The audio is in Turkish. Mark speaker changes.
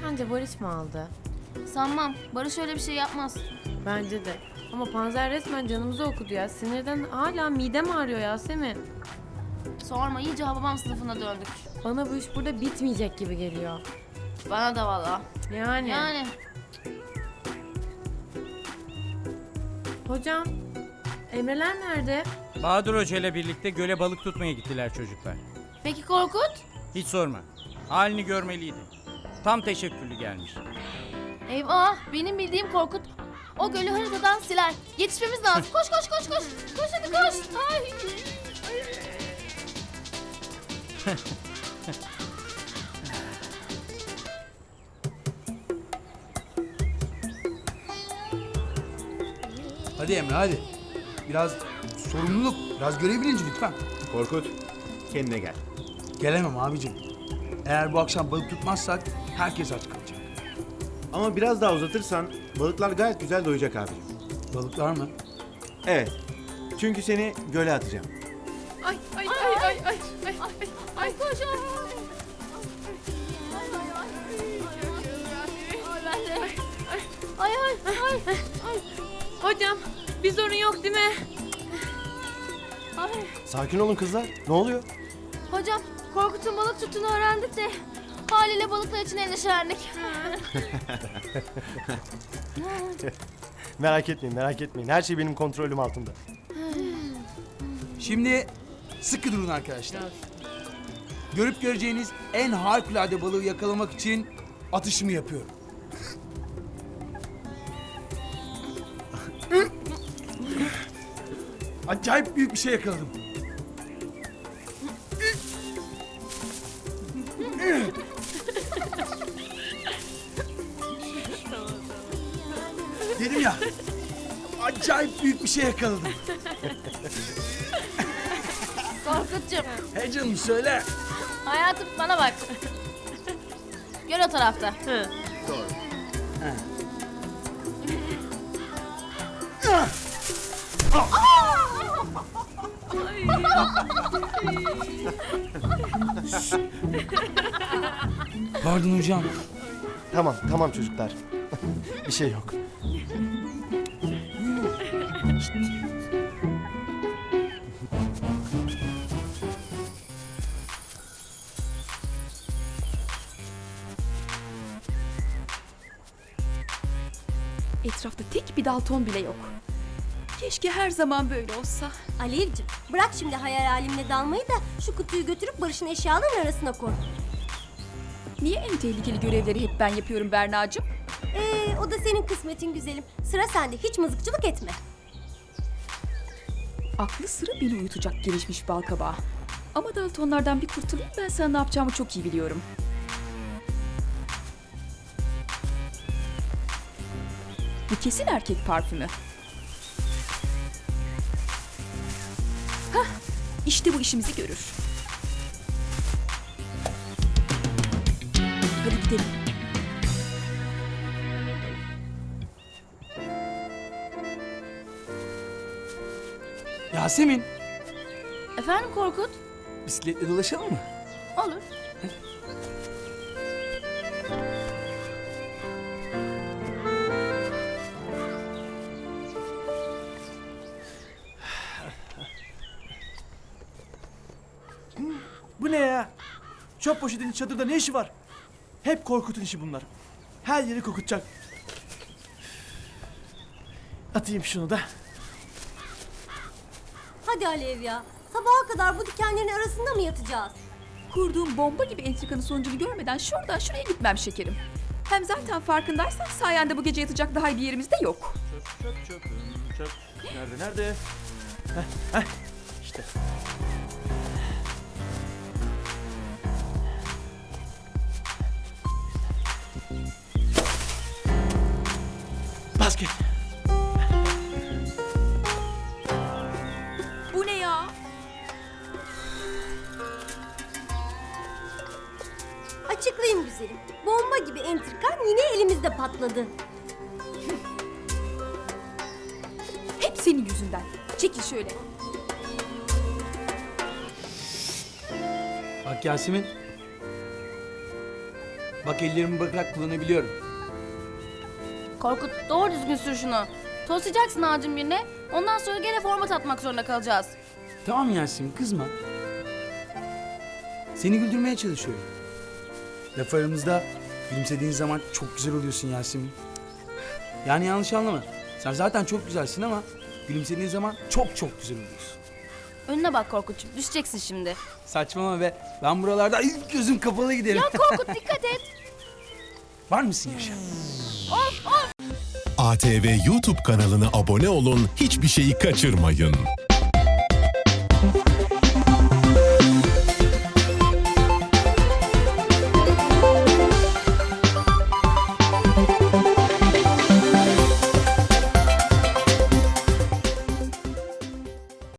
Speaker 1: Sence Barış mı aldı?
Speaker 2: Sanmam. Barış öyle bir şey yapmaz.
Speaker 1: Bence de. Ama Panzer resmen canımızı okudu ya. Sinirden hala midem ağrıyor Yasemin.
Speaker 2: Sorma, iyice Hababam sınıfına döndük.
Speaker 1: Bana bu iş burada bitmeyecek gibi geliyor.
Speaker 2: Bana da valla.
Speaker 1: Yani. Hocam, Emreler nerede?
Speaker 3: Bahadır Hoca ile birlikte göle balık tutmaya gittiler çocuklar.
Speaker 2: Peki Korkut?
Speaker 3: Hiç sorma. Halini görmeliydi. Tam teşekkürlü gelmiş.
Speaker 2: Eyvah, benim bildiğim Korkut o gölü haritadan siler. Yetişmemiz lazım. Koş koş koş koş. Koş hadi koş. Ay.
Speaker 4: Hadi Emre hadi. Biraz sorumluluk, biraz görev bilinci lütfen.
Speaker 5: Korkut, kendine gel.
Speaker 4: Gelemem abicim. Eğer bu akşam balık tutmazsak herkes aç kalacak.
Speaker 5: Ama biraz daha uzatırsan balıklar gayet güzel doyacak abicim.
Speaker 4: Balıklar mı?
Speaker 5: Evet. Çünkü seni göle atacağım.
Speaker 2: Ay koş. Ay ay.
Speaker 1: Hocam, bir sorun yok değil mi?
Speaker 6: Sakin olun kızlar. Ne oluyor?
Speaker 2: Hocam, Korkut'un balık tuttuğunu öğrendik de haliyle balıklar için endişelendik.
Speaker 6: Merak etmeyin. Her şey benim kontrolüm altında.
Speaker 4: Şimdi sıkı durun arkadaşlar. Görüp göreceğiniz en harikulade balığı yakalamak için atışımı yapıyorum. Acayip büyük bir şey yakaladım. Dedim ya, acayip büyük bir şey yakaladım.
Speaker 2: Korkut'cum,
Speaker 4: He canım söyle.
Speaker 2: hayatım bana bak. Göl o tarafta.
Speaker 5: Doğru.
Speaker 4: Pardon hocam.
Speaker 6: Tamam çocuklar. Bir şey yok.
Speaker 7: Etrafta tek bir Dalton bile yok. Keşke her zaman böyle olsa.
Speaker 8: Alevciğim bırak şimdi hayal alemine dalmayı da şu kutuyu götürüp Barış'ın eşyalarının arasına koy.
Speaker 7: Niye en tehlikeli görevleri hep ben yapıyorum Berna'cığım?
Speaker 8: O da senin kısmetin güzelim. Sıra sende, hiç mızıkçılık etme.
Speaker 7: Aklı sıra beni uyutacak gelişmiş balkabağı. Ama Daltonlardan bir kurtulayım, ben sana ne yapacağımı çok iyi biliyorum. Bu kesin erkek parfümü. Hah, işte bu işimizi görür. Hadi gidelim.
Speaker 4: Yasemin,
Speaker 2: Efendim Korkut?
Speaker 4: bisikletle dolaşalım mı?
Speaker 2: Olur.
Speaker 9: Bu ne ya? Çöp poşetinin çadırda ne işi var? Hep Korkut'un işi bunlar. Her yeri kokutacak. Atayım şunu da.
Speaker 8: Hadi Alev ya. Sabaha kadar bu dikenlerin arasında mı yatacağız?
Speaker 7: Kurduğum bomba gibi entrikanın sonucunu görmeden şuradan şuraya gitmem şekerim. Hem zaten farkındaysan sayende bu gece yatacak daha iyi bir yerimiz de yok.
Speaker 9: Çöp. Nerede? İşte. Basket.
Speaker 7: Bu ne ya?
Speaker 8: Açıklayayım güzelim. Bomba gibi entrikan yine elimizde patladı.
Speaker 7: Hep senin yüzünden. Çekil şöyle.
Speaker 4: Bak Yasemin, Bak ellerimi bakarak kullanabiliyorum.
Speaker 2: Korkut doğru düzgün sür şunu. Toslayacaksın ağacın birine. Ondan sonra gene format atmak zorunda kalacağız.
Speaker 4: Tamam Yasemin kızma. Seni güldürmeye çalışıyorum. Laf aramızda gülümsediğin zaman çok güzel oluyorsun Yasemin. Yani yanlış anlama. Sen zaten çok güzelsin ama gülümsediğin zaman çok çok güzel oluyorsun.
Speaker 2: Önüne bak Korkut'cum, düşeceksin şimdi.
Speaker 4: Saçmalama be. Ben buralarda ilk gözüm kapalı giderim.
Speaker 2: Ya Korkut dikkat et.
Speaker 4: Var mısın Yaşar?
Speaker 10: ATV YouTube kanalına abone olun, hiçbir şeyi kaçırmayın.